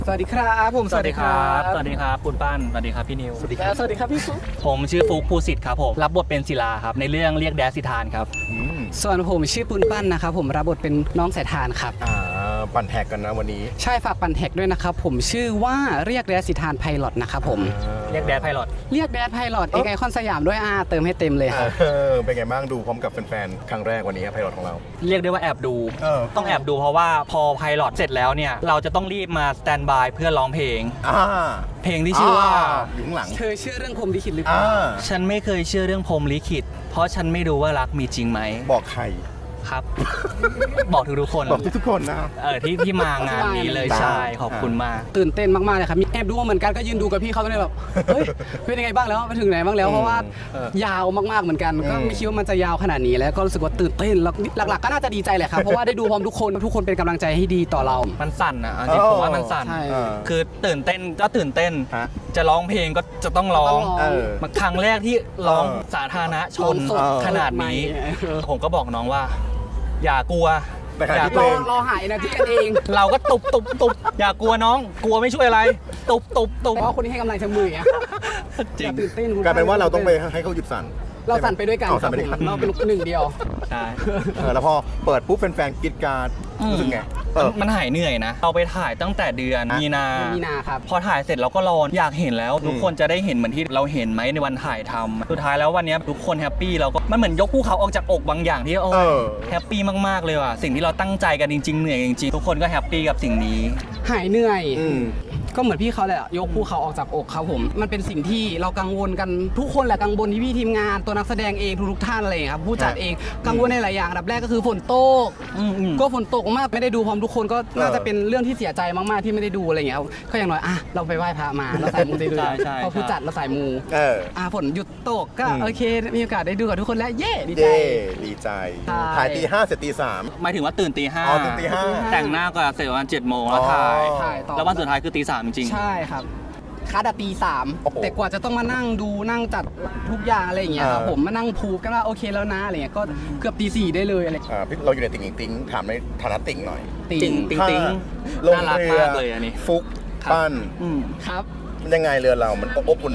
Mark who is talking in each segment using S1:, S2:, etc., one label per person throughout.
S1: สวัสดีครับผม
S2: สวัสดีครับสวัสดีครับคุณป้านสวัสดีครับพี่นิว
S1: สวัสดีครับสวัสดีครับพี่ฟุ๊ก
S2: ผมชื่อฟุกภูสิทธิ์ครับผมรับบทเป็นศิลาครับในเรื่องเรียกแดดสิทานครับ
S1: ส่วนผมชื่อปุณปั้นนะครับผมรับบทเป็นน้องสายทานครับ
S3: ปั่นแท็กกันนะวันนี้
S1: ใช่ฝากปั่นแท็กด้วยนะครับผมชื่อว่าเรียกแดดสิทานไพลอตนะครับผม
S2: เรียกแดดไพลอต
S1: เรียกแดดไพลอตไอคอนสยามด้วยเติมให้เต็มเลยครับ
S3: เป็นไงบ้างดูพร้อมกับแฟนๆครั้งแรกวันนี้ไพลอตของเรา
S2: เรียกได้ว่าแอบดูต้องแอบดูเพราะว่าพอไพลอตเสร็จแล้วเนี่ยเราจะต้องรีบมาสแตนบายเพื่อร้องเพลงเพลงที่ชื่อว่า
S3: อยู่ข้างหลัง
S1: เธอเชื่อเรื่องพรหมลิขิตหรือเปล่า
S2: ฉันไม่เคยเชื่อเรื่องพรหมลิขิตเพราะฉันไม่รู้ว่ารักมีจริงไหม
S3: บอกใคร
S2: ครับบอกทุกคน
S3: บอกทุกคนนะ
S2: ที่มางานนี้เลยใช่ขอบคุณมาก
S1: ตื่นเต้นมากๆเลยครับมีแอบดูเหมือนกันก็ยืนดูกับพี่เขาเลยแบบเฮ้ยเป็นยังไงบ้างแล้วไปถึงไหนบ้างแล้วเพราะว่ายาวมากๆเหมือนกันก็ไม่คิดว่ามันจะยาวขนาดนี้แล้วก็รู้สึกว่าตื่นเต้นแล้วหลักๆก็น่าจะดีใจแหละครับเพราะว่าได้ดูพร้อมทุกคนเป็นกำลังใจให้ดีต่อเรา
S2: มันสั่นอ่ะจริงๆผมว่ามันสั่นคือตื่นเต้นก็ตื่นเต้นจะร้องเพลงก็จะต้องร้องมาครั้งแรกที่ร้องสาธารณชนขนาดนี้ผมก็บอกน้องว่าอย่ากลัว
S1: อย่ากลัวรอหายนะที่กันเอง
S2: เราก็ตุบอย่ากลัวน้องกลัวไม่ช่วยอะไรตุบ
S1: เพราะคนนี้ให้กำลังใจมืออ่ะจริงตื่นเต้น
S3: กลายเป็นว่าเราต้องไปให้เขาหยุดสั่น
S1: เราสั่นไปด้วยกันเราเป็นหนึ่งเดียว
S2: ใช่
S3: แล้วพอเปิดปุ๊บแฟนๆกรี๊ดกราดรู้สึกไง
S2: มันหายเหนื่อยนะเราไปถ่ายตั้งแต่เดือนมีนา
S1: ครับ
S2: พอถ่ายเสร็จเราก็รออยากเห็นแล้วทุกคนจะได้เห็นเหมือนที่เราเห็นไหมในวันถ่ายทำสุดท้ายแล้ววันนี้ทุกคนแฮปปี้เราก็มันเหมือนยกภูเขาออกจากอกบางอย่างที่แฮปปี้มากๆเลยว่ะสิ่งที่เราตั้งใจกันจริงๆเหนื่อยจริงๆทุกคนก็แฮปปี้กับสิ่งนี้
S1: หายเหนื่อยก็เหมือนพี่เขาแหละยกภูเขาออกจากอกครับผมมันเป็นสิ่งที่เรากังวลกันทุกคนแหละกังวลที่พี่ทีมงานตัวนักแสดงเองทุกท่านอะไรครับผู้จัดเองกังวลในหลายอย่างอันดับแรกก็คือฝนตกก็ฝนตกมากไม่ได้ดูพร้อมทุกคนก็น่าจะเป็นเรื่องที่เสียใจมากๆที่ไม่ได้ดูอะไรอย่างเงี้ยก็อย่างน้อยเราไปไหว้พระมาเราใส่มูได้ดูเพราะผู้จัดเราใส่มูฝนหยุดตกก็โอเคมีโอกาสได้ดูกับทุกคนแล้วเย่ดี
S3: ใจถ่ายตี 5เสร็จตี 3
S2: หมายถึงว่าตื่นตี 5
S3: ตื่นตี 5
S2: แต่งหน้าก็เสร็จประมาณ7 โมงแล้วถ่ายแล้ววันสุดท้ายคือตี 3จริง
S1: ใช่ครับคัดตี 3แต่กว่าจะต้องมานั่งดูนั่งจัดทุกอย่างอะไรอย่างเงี้ยครับผมมานั่งพูกันว่าโอเคแล้วนะอะไรเงี้ยก็เกือบตี 4ได้เลยอะไร
S3: เราอยู่ในติ่งถามในฐานะติ่งหน่อย
S2: ติ่งน่ารักมากเลยอันนี้
S3: ฟุกปั้น
S1: ครับ
S3: มันยังไงเรือเรามันอบอุ่น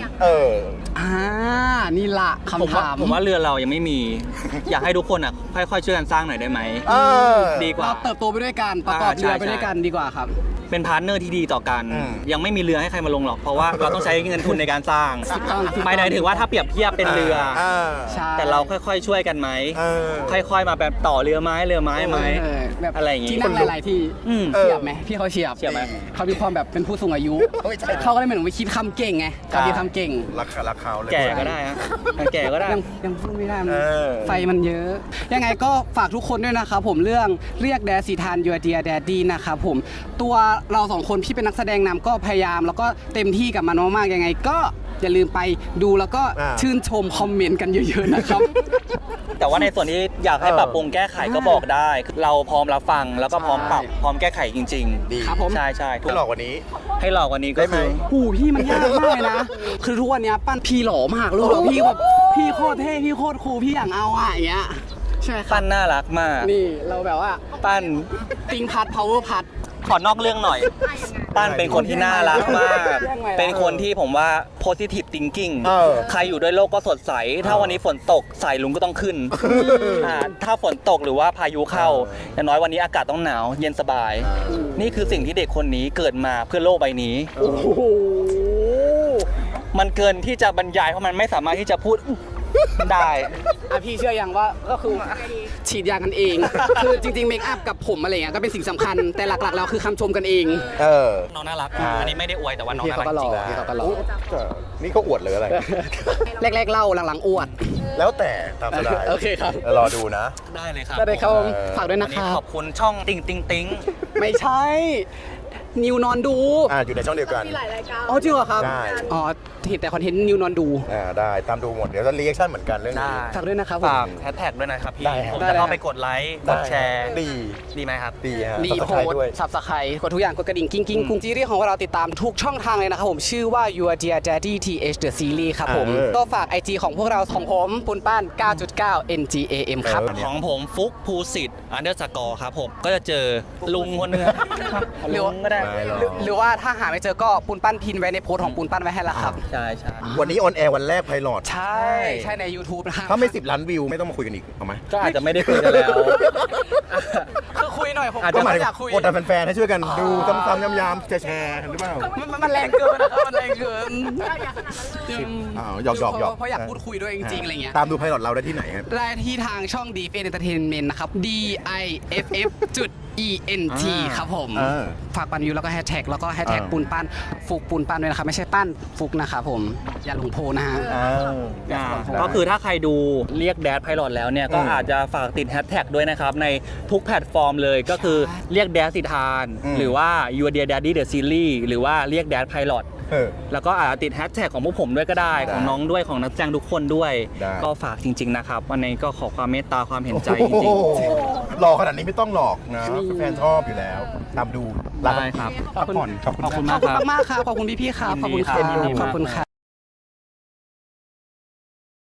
S1: นี่ละคำถาม
S2: ผมว่าเรือเรายังไม่มีอยากให้ทุกคนค่อยๆช่วยกันสร้างหน่อยได้ไหมดีกว่า
S1: เราเติบโตไปด้วยกันประกอบเรือไปด้วยกันดีกว่าครับ
S2: เป็นพาร์ทเนอร์ที่ดีต่อกันยังไม่มีเรือให้ใครมาลงหรอกเพราะว่าเราต้องใช้เงินทุนในการสร้างไม่ได้ถึงว่าถ้าเปรียบเทียบเป็นเรือแต่เราค่อยๆช่วยกันไหมค่อยๆมาแบบต่อเรือไม้ไหมอะไรอย่างงี้
S1: ที่นั่งหลายๆที่เฉียบไหมพี่เขาเฉียบไหมเขามีความแบบเป็นผู้สูงอายุเขาก็เลยเหมือนไปคิดคำเก่งไงการคิดคำเก่ง
S3: ราคาเลย
S2: แก่ก็ได้ฮะแก่ก็ได้
S1: ยังพูดไม่ได้ไฟมันเยอะยังไงก็ฝากทุกคนด้วยนะครับผมเรื่องเรียกแดดสิทานยูเดียแดดดี้นะครับผมตัวเราสองคนที่เป็นนักแสดงนำก็พยายามแล้วก็เต็มที่กับมันมากๆยังไงก็อย่าลืมไปดูแล้วก็ชื่นชมคอมเมนต์กันเยอะๆนะครับ
S2: แต่ว่าในส่วนที่อยากให้ปรับปรุงแก้ไขก็บอกได้เราพร้อมรับฟังแล้วก็พร้อมปรับพร้อมแก้ไขจริงๆ
S3: ดี
S1: ครับผม
S2: ใช่
S3: ให้หลอกกว่านี้
S2: ก็คือ
S1: พี่มันยากมากเลยนะคือทุกวันนี้ปั้นพี่หล่อมากเลยพี่แบบพี่โคตรเท่พี่โคตรคูลพี่อย่างเอาอย่างเงี้ยใช่
S2: ปั้นน่ารักมาก
S1: นี่เราแบบว่า
S2: ปั้น
S1: ติงพัด power พัด
S2: ขอนอกเรื่องหน่อยปั้นเป็นคนที่น่ารักมากเป็นคนที่ผมว่า positive thinking ใครอยู่ด้วยโลกก็สดใสถ้าวันนี้ฝนตกสายลุงก็ต้องขึ้นถ้าฝนตกหรือว่าพายุเข้าอย่างน้อยวันนี้อากาศต้องหนาวเย็นสบายนี่คือสิ่งที่เด็กคนนี้เกิดมาเพื่อโลกใบนี้มันเกินที่จะบรรยายเพราะมันไม่สามารถที่จะพูดได้
S1: พี่เชื่อยังว่าก็คือฉีดยากันเองคือจริงๆเมคอัพกับผมอะไรเงี้ยก็เป็นสิ่งสำคัญแต่หลักๆแล้วคือคำชมกันเอง
S2: น้องน่ารักอันนี้ไม่ได้อวยแต่ว่าน้องน่ารักจริง
S3: นี่เขาอวดเลยอะไร
S1: แรกๆเล่าหลังๆอวด
S3: แล้วแต่ตามสบาย
S1: โอเคครับ
S3: รอดูนะ
S2: ได้เลยครับ
S1: ได้ครับฝากด้วยนะครับ
S2: ขอบคุณช่องติ๊ง
S1: ไม่ใช่นิวนอนดู
S3: อยู่ในช่องเดียวกัน
S4: มีหลายรายการ
S1: อ๋อจริงเหรอครับ
S3: ได้
S1: เห็นแต่คอนเทนต์นิวนอนดู
S3: ได้ตามดูหมดเดี๋ยวจะรีแอคชั่นเหมือนกันเรื่องนี้
S1: ฝากด้วยนะครับ
S2: ฝากแฮชแท็กด้วยนะครับพี่ผมจะเข้าไปกดไลค์กดแชร์ดีไหมครับ
S3: ดีฮะ
S1: รีโพสต์ซับสไครต์กดทุกอย่างกดกระดิ่งกิ้งกุ้งซีรีส์ของเราติดตามทุกช่องทางเลยนะครับผมชื่อว่า Your Dear Daddy TH The Series ครับผมก็ฝาก IG ของพวกเราของผมปุณป้าน 9.9 NGAM ครับ
S2: ของผมฟุกภูสิทธิ์_ครับผมก็จะเจอลุงคนนึงลุงก็ได้
S1: หรือว่าถ้าหาไม่เจอก็ปูนปั้นพินไว้ในโพสต์ของปูนปั้นไว้ให้แล้วครับ
S2: ใช่ใช่
S3: วันนี้ออนแอร์วันแรกไพลอต
S1: ใช่ใช่ใน YouTube นะครับ
S3: ถ้าไม่10 ล้านวิวไม่ต้องมาคุยกันอีกเอาไหม
S2: ก็อาจจะไม่ได้คุยกันแล้ว
S1: คือคุยหน่อยผม
S2: อาจ
S3: ก็
S2: จะ
S3: หมายถึง
S1: อยากคุย
S3: กดดันแฟนๆให้ช่วยกันดูซ้ำๆย้ำๆแชร์หรือเปล่า
S1: มันแรงเกินนะครับมันแรงเกิน
S3: หยอกๆ
S1: เพราะอยากพูดคุยด้วยจริงๆอะไรเงี้ย
S3: ตามดูไพลอตเราได้ที่ไหนครับ
S1: ได้ที่ทางช่อง Deep Entertainment นะครับ DIFF.ENT ครับผม ฝากปันวิวแล้วก็แฮชแท็กแล้วก็แฮชแท็กปูนปั้นฟุกปูนปั้นด้วยนะครับ ไม่ใช่ปั้นฟุกนะครับผม อย่าหลงโพนะฮะ
S2: ก็คือถ้าใครดูเรียกแดดไพลอตแล้วเนี่ยก็อาจจะฝากติดแฮชแท็กด้วยนะครับ ในทุกแพลตฟอร์มเลยก็คือเรียกแดดสิทาน หรือว่า Your Dear Daddy The Series หรือว่าเรียกแดดไพลอตแล้วก็อาจจะติดแฮชแท็กของพวกผมด้วยก็ได้ของน้องด้วยของนักแสดงทุกคนด้วย ก็ฝากจริงๆนะครับวันนี้ก็ขอความเมตตาความเห็นใจจริงๆ
S3: หลอกขนาดนี้ไม่ต้องหลอกนะแฟนชอบอยู่แล้วตามดู
S2: ได้ครับ
S3: พักผ่อนขอบคุณ
S2: ขอบคุณ
S1: ข
S2: มา
S1: อก บคุณ
S2: ครับ
S1: มากๆครับ ขอบคุณพี่ๆครับ ขอบคุณครับ
S2: ยินดีครับ
S1: ขอบคุณครับ